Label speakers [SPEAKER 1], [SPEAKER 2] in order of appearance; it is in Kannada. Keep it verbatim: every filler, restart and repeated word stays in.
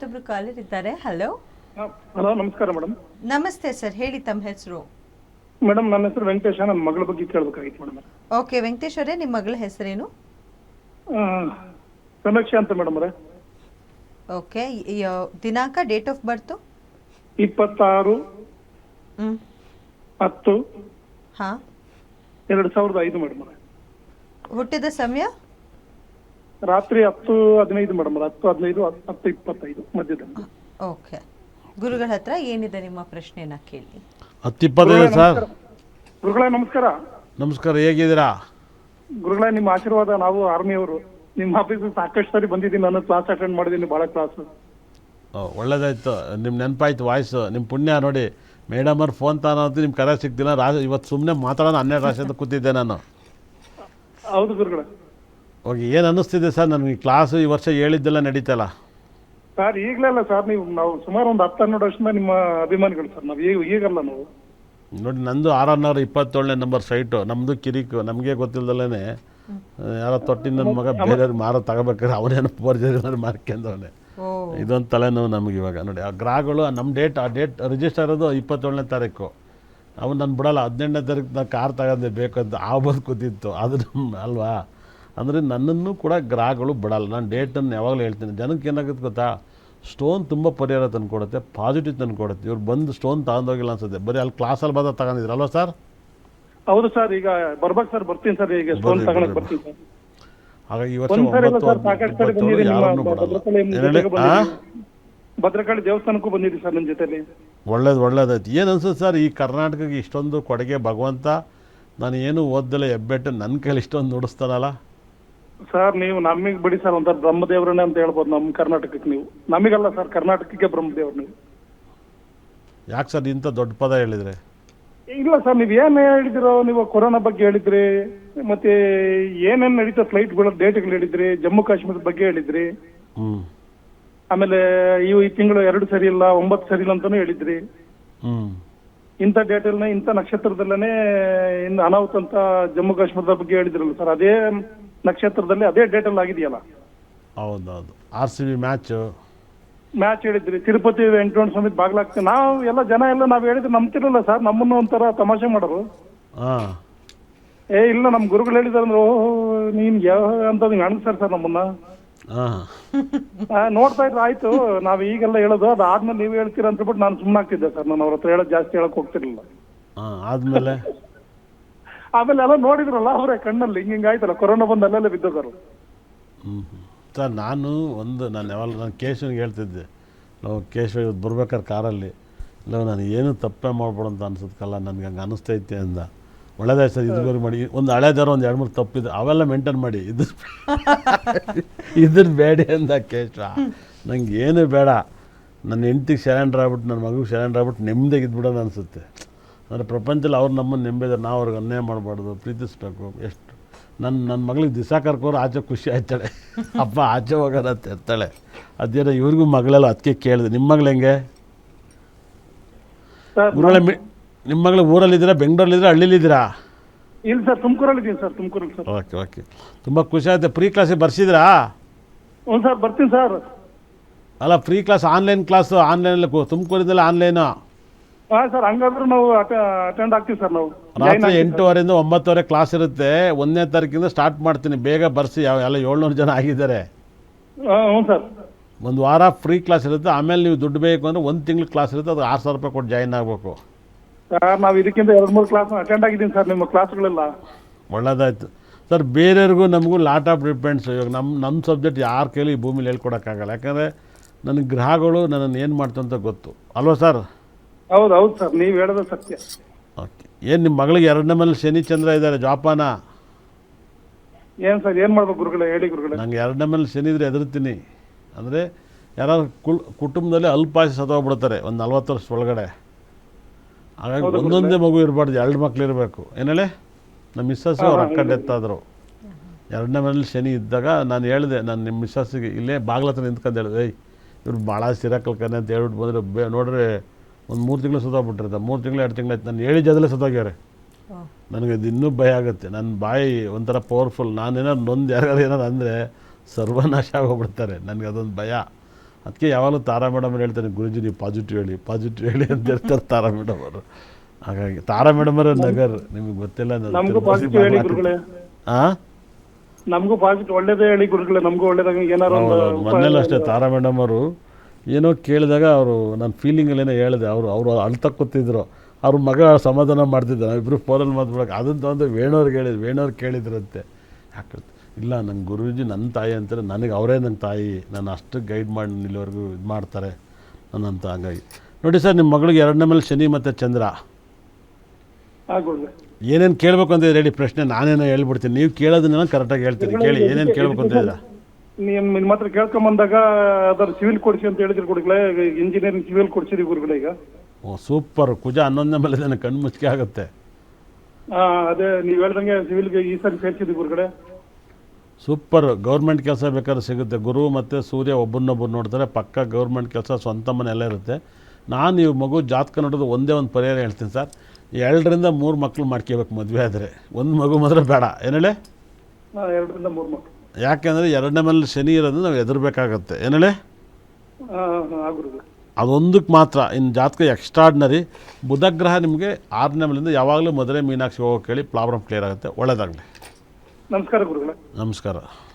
[SPEAKER 1] ಮತ್ತೊಬ್ರು ಕಾಲರ್ ಇದ್ದಾರೆ. ಹಲೋ
[SPEAKER 2] ಹಲೋ, ನಮಸ್ಕಾರ ಮೇಡಮ್.
[SPEAKER 1] ನಮಸ್ತೆ ಸರ್, ಹೇಳಿ ತಮ್ಮ ಹೆಸರು.
[SPEAKER 2] ಮೇಡಮ್ ನನ್ನ ಹೆಸರು ವೆಂಕಟೇಶ. ನನ್ನ ಮಗಳ ಬಗ್ಗೆ ಕೇಳಬೇಕಾಗಿತ್ತು ಮೇಡಮ್.
[SPEAKER 1] ಓಕೆ ವೆಂಕಟೇಶ್ ಅವರೇ, ನಿಮ್ಮ ಮಗಳ ಹೆಸರೇನು?
[SPEAKER 2] ಸಮೀಕ್ಷೆ ಅಂತ ಮೇಡಮ್ ಅವರೇ.
[SPEAKER 1] ಓಕೆ, ದಿನಾಂಕ, ಡೇಟ್ ಆಫ್ ಬರ್ತು?
[SPEAKER 2] ಇಪ್ಪತ್ತಾರು
[SPEAKER 1] ಹ್ಮ್
[SPEAKER 2] ಹತ್ತು
[SPEAKER 1] ಹಾ
[SPEAKER 2] ಎರಡು ಸಾವಿರದ ಐದು ಮೇಡಮ್ ಅವರೇ.
[SPEAKER 1] ಹುಟ್ಟಿದ ಸಮಯ?
[SPEAKER 2] ರಾತ್ರಿ ಹತ್ತು ಹದಿನೈದು ಮೇಡಮ್ ಅವರೇ. ಹತ್ತು ಹದಿನೈದು ಹತ್ತು ಇಪ್ಪತ್ತೈದು ಮಧ್ಯದಲ್ಲಿ.
[SPEAKER 1] ಓಕೆ, ಗುರುಗಳ ಹತ್ರ ಏನಿದೆ ನಿಮ್ಮ ಪ್ರಶ್ನೆನ ಕೇಳಿ.
[SPEAKER 3] ಹತ್ತು ಇಪ್ಪತ್ತೈದು ಸರ್.
[SPEAKER 2] ಗುರುಗಳೇ ನಮಸ್ಕಾರ.
[SPEAKER 3] ನಮಸ್ಕಾರ, ಹೇಗಿದ್ದೀರಾ?
[SPEAKER 2] ಗುರುಗಳೇ ನಿಮ್ಮ ಆಶೀರ್ವಾದ. ನಾವು ಆರ್ಮಿಯವರು. ನಿಮ್ಮ ಆಫೀಸ್ ಸಾಕಷ್ಟು ಸಾರಿ ಬಂದಿದ್ದೀನಿ. ನಾನು ಕ್ಲಾಸ್ ಅಟೆಂಡ್ ಮಾಡಿದ್ದೀನಿ, ಭಾಳ ಕ್ಲಾಸ್.
[SPEAKER 3] ಒಳ್ಳೇದಾಯ್ತು, ನಿಮ್ಮ ನೆನಪಾಯ್ತು ವಾಯ್ಸು. ನಿಮ್ಮ ಪುಣ್ಯ ನೋಡಿ, ಮೇಡಮ್ ಅವ್ರು ಫೋನ್ ತಾನಂತೂ ನಿಮ್ಮ ಕರೆ ಸಿಗ್ತಿಲ್ಲ. ರಾಜ ಇವತ್ತು ಸುಮ್ಮನೆ ಮಾತಾಡೋಣ ಹನ್ನೆರಡು ರಾಶಿ ಅಂತ ಕೂತಿದ್ದೆ ನಾನು.
[SPEAKER 2] ಹೌದು ಗುರುಗಳೇ.
[SPEAKER 3] ಹೋಗಿ ಏನು ಅನ್ನಿಸ್ತಿದೆ ಸರ್ ನನಗೆ? ಕ್ಲಾಸು ಈ ವರ್ಷ ಹೇಳಿದ್ದೆಲ್ಲ ನಡೀತಲ್ಲ
[SPEAKER 2] ಸರ್? ಈಗಲೇ ಅಲ್ಲ ಸರ್, ನೀವು ನಾವು ಸುಮಾರು ಒಂದು ಹತ್ತು ಹನ್ನೆರಡು ವರ್ಷದಿಂದ ನಿಮ್ಮ ಅಭಿಮಾನಿಗಳು ಸರ್. ನಾವು ಈಗ ಈಗಲ್ಲ ನಾವು.
[SPEAKER 3] ನೋಡಿ, ನಂದು ಆರನ್ನೂರ ಇಪ್ಪತ್ತೇಳನೇ ನಂಬರ್ ಸೈಟು. ನಮ್ಮದು ಕಿರಿಕು, ನಮಗೆ ಗೊತ್ತಿಲ್ಲದಲ್ಲೇ ಯಾರೋ ತೊಟ್ಟಿನ ನನ್ನ ಮಗ ಬೇರೆಯವ್ರಿಗೆ ಮಾರೋ ತಗೋಬೇಕಾದ್ರೆ ಅವನೇನೋ ಬರ್ಜರಿ ಮಾರ್ಕೊಂಡವನೇ. ಇದೊಂದು ತಲೆನೋವು ನಮಗೆ ಇವಾಗ. ನೋಡಿ, ಆ ಗ್ರಾಹಗಳು ನಮ್ಮ ಡೇಟ್ ಆ ಡೇಟ್ ರಿಜಿಸ್ಟರ್ ಇರೋದು ಇಪ್ಪತ್ತೇಳನೇ ತಾರೀಕು. ಅವ್ನು ನಾನು ಬಿಡೋಲ್ಲ. ಹದಿನೆಂಟನೇ ತಾರೀಕು ನಾನು ಕಾರ್ ತಗೊಂಡೆ ಬೇಕಂತ ಆ ಬಂದು ಕೂತಿತ್ತು. ಅದು ನಮ್ಮ ಅಲ್ವಾ? ಅಂದರೆ ನನ್ನನ್ನು ಕೂಡ ಗ್ರಾಹಗಳು ಬಿಡಲ್ಲ. ನಾನು ಡೇಟನ್ನು ಯಾವಾಗಲೂ ಹೇಳ್ತೀನಿ. ಜನಕ್ಕೆ ಏನಾಗುತ್ತೆ ಗೊತ್ತಾ, ಸ್ಟೋನ್ ತುಂಬ ಪರಿಹಾರ ತಂದು ಕೊಡುತ್ತೆ, ಪಾಸಿಟಿವ್ ತಂದು ಕೊಡುತ್ತೆ. ಇವ್ರು ಬಂದು ಸ್ಟೋನ್ ತಗೊಂಡೋಗಿಲ್ಲ ಅನ್ಸುತ್ತೆ, ಬರೀ ಅಲ್ಲಿ ಕ್ಲಾಸಲ್ಲಿ ಬಂದ ತಗೊಂಡಿದ್ರಲ್ವ ಸರ್?
[SPEAKER 2] ಹೌದು ಸರ್. ಈಗ ಬರ್ಬೇಕು ಸರ್, ಬರ್ತೀನಿ ಸರ್. ಈಗ ಸ್ಟೋನ್ ತಗೊಳಕ್ ಬರ್ತೀನಿ ಸರ್.
[SPEAKER 3] ಹಾಗಾಗಿ ಈ ವರ್ಷ ಒಂಬತ್ತು ಯಾರನ್ನು ಬಿಡಲ್ಲ.
[SPEAKER 2] ಭದ್ರಕಾಳಿ ದೇವಸ್ಥಾನಕ್ಕೂ ಬಂದಿದ್ದೀವಿ ಸರ್ ನನ್ನ ಜೊತೆಲಿ.
[SPEAKER 3] ಒಳ್ಳೇದು ಒಳ್ಳೇದಾಯ್ತು. ಏನು ಅನ್ಸುತ್ತೆ ಸರ್, ಈ ಕರ್ನಾಟಕಕ್ಕೆ ಇಷ್ಟೊಂದು ಕೊಡುಗೆ ಭಗವಂತ? ನಾನು ಏನು ಓದ್ದಲ್ಲ ಹೆಬ್ಬೆಟ್ಟು ನನ್ನ ಕೈಲಿ ಇಷ್ಟೊಂದು ನುಡಿಸ್ತಾನಲ್ಲ
[SPEAKER 2] ಸರ್. ನೀವು ನಮಗೆ ಬಿಡಿ ಸರ್, ಒಂಥರ ಬ್ರಹ್ಮದೇವ್ರನ್ನೇ ಅಂತ ಹೇಳ್ಬೋದು ನಮ್ಮ ಕರ್ನಾಟಕಕ್ಕೆ. ನೀವು ನಮಗಲ್ಲ ಸರ್, ಕರ್ನಾಟಕಕ್ಕೆ ಬ್ರಹ್ಮದೇವ್ರು ನೀವು.
[SPEAKER 3] ಯಾಕೆ ಸರ್ ಇಂಥ ದೊಡ್ಡ ಪದ ಹೇಳಿದ್ರೆ?
[SPEAKER 2] ಇಲ್ಲ ಸರ್, ನೀವು ಏನು ಹೇಳಿದಿರೋ, ನೀವು ಕೊರೋನಾ ಬಗ್ಗೆ ಹೇಳಿದ್ರಿ, ಮತ್ತೆ ಏನೇನು ನಡೀತಾ ಫ್ಲೈಟ್ಗಳ ಡೇಟ್ಗಳು ಹೇಳಿದ್ರಿ, ಜಮ್ಮು ಕಾಶ್ಮೀರದ ಬಗ್ಗೆ ಹೇಳಿದ್ರಿ,
[SPEAKER 3] ಹ್ಞೂ
[SPEAKER 2] ಆಮೇಲೆ ಇವು ಈ ತಿಂಗಳು ಎರಡು ಸರಿ ಇಲ್ಲ, ಒಂಬತ್ತು ಸರಿ ಇಲ್ಲ ಅಂತಾನು ಹೇಳಿದ್ರಿ.
[SPEAKER 3] ಹ್ಞೂ
[SPEAKER 2] ಇಂಥ ಡೇಟಲ್ನೇ, ಇಂಥ ನಕ್ಷತ್ರದಲ್ಲೇ ಇನ್ನು ಅನಾಹುತ ಅಂತ ಜಮ್ಮು ಕಾಶ್ಮೀರದ ಬಗ್ಗೆ ಹೇಳಿದ್ರಲ್ಲ ಸರ್. ಅದೇ ನಕ್ಷತ್ರದಲ್ಲಿ ಅದೇ ಡೇಟಲ್ಲಿ ಆಗಿದೆಯಲ್ಲ.
[SPEAKER 3] ಹೌದೌದು, R C B match
[SPEAKER 2] match ಹೇಳಿದ್ರಿ. ತಿರುಪತಿ ವೆಂಕಟರಮಣ ಸ್ವಾಮಿ ಬಾಗ್ಲಾಗ್ತದೆ. ನಾವು ಎಲ್ಲ ಜನ ಎಲ್ಲ ನಾವು ಹೇಳಿದ್ರೆ ನಂಬ್ತಿರಲ್ಲ ಸರ್. ನಮ್ಮನ್ನು ಒಂಥರ ತಮಾಷೆ ಮಾಡೋರು.
[SPEAKER 3] ಹಾಂ,
[SPEAKER 2] ಏ ಇಲ್ಲ ನಮ್ಮ ಗುರುಗಳು ಹೇಳಿದಾರಂದ್ರೆ ಓ ನೀನ್ ಯಾವ ಅಂತ ಅನ್ಸ್ತಾರೆ ಸರ್ ನಮ್ಮನ್ನ.
[SPEAKER 3] ಹಾಂ,
[SPEAKER 2] ನೋಡ್ತಾ ಇದ್ರೆ ಆಯ್ತು, ನಾವ್ ಈಗೆಲ್ಲ ಹೇಳೋದು ಅದಾದ್ಮೇಲೆ ನೀವು ಹೇಳ್ತೀರ ಅಂತ ಬಿಟ್ಟು ನಾನು ಸುಮ್ಮನಾಗ್ತಿದ್ದೆ ಸರ್. ನಾನು ಅವ್ರ ಹತ್ರ ಹೇಳೋದು ಜಾಸ್ತಿ ಹೇಳಕ್ ಹೋಗ್ತಿರ್ಲಿಲ್ಲ.
[SPEAKER 3] ಹಾಂ, ಆದಮೇಲೆ
[SPEAKER 2] ಆಮೇಲೆ ಎಲ್ಲ ನೋಡಿದ್ರಲ್ಲ ಅವರೇ ಕಣ್ಣಲ್ಲಿ ಹಿಂಗ ಹಿಂಗಾಯ್ತಲ್ಲ, ಕೊರೋನಾ ಬಂದು ಅಲ್ಲೆಲ್ಲ ಬಿದ್ದೋದರು.
[SPEAKER 3] ಹ್ಞೂ ಸರ್, ನಾನು ಒಂದು ನಾನು ಯಾವಾಗ ನಾನು ಕೇಶವನಿಗೆ ಹೇಳ್ತಿದ್ದೆ, ನಾವು ಕೇಶವ ಇವತ್ತು ಬರ್ಬೇಕಾದ್ರೆ ಕಾರಲ್ಲಿ, ಇಲ್ಲ ನಾನು ಏನು ತಪ್ಪೇ ಮಾಡ್ಬೋಡು ಅಂತ ಅನ್ಸುತ್ತಲ್ಲ, ನನಗೆ ಹಂಗೆ ಅನ್ನಿಸ್ತೈತೆ ಅಂದ. ಒಳ್ಳೇದಾಯ್ತು ಸರ್, ಇದುವರೆಗೆ ಮಾಡಿ ಒಂದು ಹಳೇದಾರ ಒಂದು ಎರಡು ಮೂರು ತಪ್ಪಿದೆ ಅವೆಲ್ಲ ಮೇಂಟೈನ್ ಮಾಡಿ, ಇದು ಇದ್ರ ಬೇಡ ಅಂದ ಕೇಶವ. ನಂಗೆ ಏನು ಬೇಡ, ನನ್ನ ಹೆಂಡ್ತಿಗೆ ಶರಣ್ ಆಗ್ಬಿಟ್ಟು ನನ್ನ ಮಗುಗೆ ಶರಣ್ ಆಗ್ಬಿಟ್ಟು ನೆಮ್ಮದಿಗೆ ಇದ್ಬಿಡೋದು ಅನಿಸುತ್ತೆ. ಅಂದರೆ ಪ್ರಪಂಚದಲ್ಲಿ ಅವ್ರು ನಮ್ಮನ್ನು ನೆಮ್ಮದಿದ್ದಾರೆ, ನಾವು ಅವ್ರಿಗೆ ಅನ್ಯಾಯ ಮಾಡಬಾರ್ದು, ಪ್ರೀತಿಸ್ಬೇಕು. ಎಷ್ಟು ನನ್ನ ನನ್ನ ಮಗಳಿಗೆ ದಿವಸ ಕರ್ಕೋರು ಆಚೆ ಖುಷಿ ಆಯ್ತಾಳೆ, ಅಪ್ಪ ಆಚೆ ಹೋಗೋಣ ಅಂತ ಇರ್ತಾಳೆ. ಅದೇನೋ ಇವ್ರಿಗೂ ಮಗಳೆಲ್ಲ ಅದಕ್ಕೆ ಕೇಳಿದೆ. ನಿಮ್ಮ ಮಗಳು ಹೆಂಗೆ ಊರಲ್ಲ? ಮಿ ನಿಮ್ಮ ಮಗಳು ಊರಲ್ಲಿದ್ದೀರಾ, ಬೆಂಗಳೂರಲ್ಲಿದ್ದೀರಾ, ಹಳ್ಳಿಲಿದ್ದೀರಾ?
[SPEAKER 2] ಇಲ್ಲ ಸರ್, ತುಮಕೂರಲ್ಲಿ ಇದ್ದೀನಿ ಸರ್. ತುಮಕೂರಲ್ಲಿ ಸರ್.
[SPEAKER 3] ಓಕೆ ಓಕೆ, ತುಂಬ ಖುಷಿ ಆಯ್ತು. ಫ್ರೀ ಕ್ಲಾಸಿಗೆ ಬರ್ಸಿದ್ರಾ?
[SPEAKER 2] ಹ್ಞೂ ಸರ್, ಬರ್ತೀನಿ ಸರ್.
[SPEAKER 3] ಅಲ್ಲ, ಫ್ರೀ ಕ್ಲಾಸ್ ಆನ್ಲೈನ್ ಕ್ಲಾಸು, ಆನ್ಲೈನಲ್ಲಿ ತುಮಕೂರಿಂದಲೇ ಆನ್ಲೈನು?
[SPEAKER 2] ಹಾಂ ಸರ್, ಹಂಗಾದ್ರೆ ನಾವು ಅಟೆಂಡ್ ಆಗ್ತೀವಿ ಸರ್. ನಾವು
[SPEAKER 3] ರಾತ್ರಿ ಎಂಟೂವರೆಯಿಂದ ಒಂಬತ್ತುವರೆ ಕ್ಲಾಸ್ ಇರುತ್ತೆ. ಒಂದನೇ ತಾರೀಕಿಂದ ಸ್ಟಾರ್ಟ್ ಮಾಡ್ತೀನಿ, ಬೇಗ ಬರ್ಸಿ. ಯಾವ ಎಲ್ಲ ಏಳ್ನೂರು ಜನ ಆಗಿದ್ದಾರೆ.
[SPEAKER 2] ಹ್ಞೂ ಸರ್.
[SPEAKER 3] ಒಂದು ವಾರ ಫ್ರೀ ಕ್ಲಾಸ್ ಇರುತ್ತೆ. ಆಮೇಲೆ ನೀವು ದುಡ್ಡು ಬೇಕು ಅಂದರೆ ಒಂದು ತಿಂಗ್ಳು ಕ್ಲಾಸ್ ಇರುತ್ತೆ, ಅದು ಆರು ಸಾವಿರ ರೂಪಾಯಿ ಕೊಟ್ಟು ಜಾಯಿನ್ ಆಗಬೇಕು
[SPEAKER 2] ಸರ್. ನಾವು ಇದಕ್ಕಿಂತ ಎರಡು ಮೂರು ಕ್ಲಾಸ್ ಅಟೆಂಡ್ ಆಗಿದ್ದೀನಿ ಸರ್, ನಿಮ್ಮ ಕ್ಲಾಸ್ಗಳೆಲ್ಲ.
[SPEAKER 3] ಒಳ್ಳೇದಾಯ್ತು ಸರ್. ಬೇರೆಯವ್ರಿಗೂ ನಮಗೂ ಲಾಟ್ ಆಫ್ ಡಿಪೆಂಡ್ಸ್. ಇವಾಗ ನಮ್ಮ ನಮ್ಮ ಸಬ್ಜೆಕ್ಟ್ ಯಾರ ಕೈಲಿ ಈ ಭೂಮಿಲಿ ಹೇಳ್ಕೊಡೋಕ್ಕಾಗಲ್ಲ. ಯಾಕಂದರೆ ನನಗೆ ಗ್ರಹಗಳು ನನ್ನನ್ನು ಏನು ಮಾಡ್ತಂತ ಗೊತ್ತು ಅಲ್ವಾ ಸರ್?
[SPEAKER 2] ಹೌದು ಹೌದು ಸರ್, ನೀವು ಹೇಳೋದು ಸತ್ಯ.
[SPEAKER 3] ಓಕೆ, ಏನು ನಿಮ್ಮ ಮಗಳಿಗೆ ಎರಡನೇ ಮೇಲೆ ಶನಿ ಚಂದ್ರ ಇದ್ದಾರೆ, ಜೋಪಾನ?
[SPEAKER 2] ಏನು ಸರ್, ಏನು ಮಾಡ್ಬೇಕು ಗುರುಗಳೇ, ಹೇಳಿ ಗುರುಗಳೇ.
[SPEAKER 3] ನಂಗೆ ಎರಡನೇ ಮೇಲೆ ಶನಿ ಇದ್ರೆ ಹೆದರ್ತೀನಿ. ಅಂದರೆ ಯಾರಾದ್ರು ಕುಲ್ ಕುಟುಂಬದಲ್ಲಿ ಅಲ್ಪಾಯಸ ಸತ್ತೋಗ್ಬಿಡ್ತಾರೆ ಒಂದು ನಲ್ವತ್ತು ವರ್ಷ ಒಳಗಡೆ. ಹಾಗಾಗಿ ಒಂದೊಂದೇ ಮಗು ಇರಬಾರ್ದು, ಎರಡು ಮಕ್ಳು ಇರಬೇಕು. ಏನು ಹೇಳಿ, ನಮ್ಮ ಮಿಸ್ಸಸ್ಸು ಅವ್ರು ಅಕ್ಕ ಡೆತ್ ಆದರು. ಎರಡನೇ ಮನೇಲಿ ಶನಿ ಇದ್ದಾಗ ನಾನು ಹೇಳಿದೆ, ನಾನು ನಿಮ್ಮ ಮಿಸ್ಸಸ್ಸಿಗೆ ಇಲ್ಲೇ ಬಾಗ್ಲತ್ರ ನಿಂತ್ಕೊಂಡು ಹೇಳಿದೆ, ಏಯ್ ಇವ್ರು ಭಾಳ ಸಿರಾಕಲ್ಕನೆ ಅಂತ ಹೇಳ್ಬಿಟ್ಟು ಬಂದರೆ ಬೇ ನೋಡ್ರಿ ಒಂದು ಮೂರು ತಿಂಗಳು ಸುತ್ತೋಗ್ಬಿಟ್ಟಿರ್ತಾರೆ. ಮೂರು ತಿಂಗಳು ಎರಡು ತಿಂಗಳು ಆಯ್ತು, ನಾನು ಹೇಳಿ ಜದಲ್ಲೇ ಸುತ್ತೋಗ್ಯಾರೆ. ನನಗೆ ಅದು ಇನ್ನೂ ಭಯ ಆಗುತ್ತೆ. ನನ್ನ ಬಾಯಿ ಒಂಥರ ಪವರ್ಫುಲ್. ನಾನೇನಾದ್ರು ನೊಂದು ಯಾರ್ಯಾರು ಏನಾರು ಅಂದರೆ ಸರ್ವನಾಶ ಆಗೋಗ್ಬಿಡ್ತಾರೆ. ನನಗೆ ಅದೊಂದು ಭಯ. ಅದಕ್ಕೆ ಯಾವಾಗಲೂ ತಾರಾ ಮೇಡಮ್ ಹೇಳ್ತಾರೆ ಗುರುಜಿ ನೀವು ಪಾಸಿಟಿವ್ ಹೇಳಿ ಪಾಸಿಟಿವ್ ಹೇಳಿ ಅಂತ ಹೇಳ್ತಾರೆ ತಾರಾ ಮೇಡಮ್ ಅವರು. ಹಾಗಾಗಿ ತಾರಾ ಮೇಡಮ್ ಅವರ ನಗರ್ ನಿಮಗೆ ಗೊತ್ತಿಲ್ಲ ನಾನು
[SPEAKER 2] ನಮಗೂ ಪಾಸಿಟಿವ್ ಹೇಳಿ ಗುರುಗಳೇ,
[SPEAKER 3] ಹಾಂ
[SPEAKER 2] ನಮಗೂ ಪಾಸಿಟಿವ್ ಒಳ್ಳೇದೇ ಹೇಳಿ ಗುರುಗಳೇ, ನಮಗೂ ಒಳ್ಳೇದಾಗ ಏನಾರು ಒಂದು
[SPEAKER 3] ಮೊನ್ನೆಲ್ಲ ಅಷ್ಟೇ ತಾರಾ ಮೇಡಮ್ ಅವರು ಏನೋ ಕೇಳಿದಾಗ ಅವರು ನನ್ನ ಫೀಲಿಂಗಲ್ಲಿ ಏನೋ ಹೇಳಿದೆ, ಅವರು ಅವರು ಅಳ್ತಾ ಕೂತಿದ್ರು, ಅವ್ರ ಮಗ ಸಮಾಧಾನ ಮಾಡ್ತಿದ್ದೆ, ನಾವಿಬ್ಬರು ಫೋನಲ್ಲಿ ಮಾತಾಡೋಕೆ ಅದನ್ನು ಒಂದು ವೇಣೋರ್ಗೆ ಹೇಳಿದ್ರು, ವೇಣೋರು ಕೇಳಿದ್ರಂತೆ ಯಾಕೆ ಇಲ್ಲ ನಂಗೆ ಗುರೂಜಿ ನನ್ನ ತಾಯಿ ಅಂತಾರೆ, ನನಗೆ ಅವರೇ ನನ್ನ ತಾಯಿ, ನಾನು ಅಷ್ಟು ಗೈಡ್ ಮಾಡಿ ಇಲ್ಲಿವರೆಗೂ ಇದು ಮಾಡ್ತಾರೆ ನನ್ನಂತ. ಹಾಗಾಗಿ ನೋಡಿ ಸರ್, ನಿಮ್ಮ ಮಗಳಿಗೆ ಎರಡನೇ ಮೇಲೆ ಶನಿ ಮತ್ತು ಚಂದ್ರ,
[SPEAKER 2] ಹಾಂ ಗುರುಗಳೇ.
[SPEAKER 3] ಏನೇನು ಕೇಳಬೇಕು ಅಂತ ರೆಡಿ ಪ್ರಶ್ನೆ ನಾನೇನೋ ಹೇಳ್ಬಿಡ್ತೀನಿ, ನೀವು ಕೇಳೋದನ್ನ ಕರೆಕ್ಟಾಗಿ ಹೇಳ್ತೀನಿ, ಕೇಳಿ ಏನೇನು ಕೇಳಬೇಕು ಅಂತ ಇದ್ದೀರಾ.
[SPEAKER 2] ನೀವು ನಿಮ್ಮ ಹತ್ರ ಕೇಳ್ಕೊಂಬಂದಾಗ ಅದರ ಸಿವಿಲ್ ಕೊಡಿಸಿ ಅಂತ ಹೇಳಿದ್ರು ಗುರುಗಳೇ, ಇಂಜಿನಿಯರಿಂಗ್ ಸಿವಿಲ್ ಕೊಡ್ಸಿರಿ ಗುರುಗಳೇ ಈಗ.
[SPEAKER 3] ಓ ಸೂಪರ್, ಕುಜ ಹನ್ನೊಂದನೇ ಮೇಲೆ ನನಗೆ ಕಣ್ಣು ಮುಚ್ಚಿಗೆ ಆಗುತ್ತೆ.
[SPEAKER 2] ಹಾಂ ಅದೇ ನೀವು ಹೇಳ್ದಂಗೆ ಸಿವಿಲ್ಗೆ ಈ ಸರಿ ಸೇರಿಸಿದ್ವಿ ಗುರುಗಳೇ.
[SPEAKER 3] ಸೂಪರ್, ಗೌರ್ಮೆಂಟ್ ಕೆಲಸ ಬೇಕಾದ್ರೆ ಸಿಗುತ್ತೆ. ಗುರು ಮತ್ತು ಸೂರ್ಯ ಒಬ್ಬರನ್ನೊಬ್ಬರು ನೋಡ್ತಾರೆ, ಪಕ್ಕ ಗೌರ್ಮೆಂಟ್ ಕೆಲಸ, ಸ್ವಂತ ಮನೆ ಎಲ್ಲ ಇರುತ್ತೆ. ನಾನು ಈ ಮಗು ಜಾತಕ ನೋಡೋದು ಒಂದೇ ಒಂದು ಪರಿಹಾರ ಹೇಳ್ತೀನಿ ಸರ್, ಎರಡರಿಂದ ಮೂರು ಮಕ್ಕಳು ಮಾಡ್ಕೋಬೇಕು ಮದುವೆ ಆದರೆ, ಒಂದು ಮಗು ಮಾತ್ರ ಬೇಡ. ಏನೇಳೆ?
[SPEAKER 2] ಹಾಂ ಎರಡರಿಂದ ಮೂರು ಮಕ್ಕಳು.
[SPEAKER 3] ಯಾಕೆಂದರೆ ಎರಡನೇ ಮೇಲೆ ಶನಿ ಇರೋದು ನಾವು ಎದುರಬೇಕಾಗತ್ತೆ. ಏನೇಳೆ?
[SPEAKER 2] ಹಾಂ ಹಾಂ ಗುರುಗಳೇ.
[SPEAKER 3] ಅದೊಂದಕ್ಕೆ ಮಾತ್ರ. ಇನ್ನು ಜಾತಕ ಎಕ್ಸ್ಟ್ರಾರ್ಡ್ನರಿ. ಬುಧಗ್ರಹ ನಿಮಗೆ ಆರನೇ ಮೇಲಿಂದ ಯಾವಾಗಲೂ ಮದುವೆ ಮೀನಾಕ್ಷಿ ಹೋಗೋಕೆ ಹೇಳಿ ಪ್ರಾಬ್ಲಮ್ ಕ್ಲಿಯರ್ ಆಗುತ್ತೆ. ಒಳ್ಳೆಯದಾಗಲಿ.
[SPEAKER 2] ನಮಸ್ಕಾರ ಗುರುಗಳೇ.
[SPEAKER 3] ನಮಸ್ಕಾರ.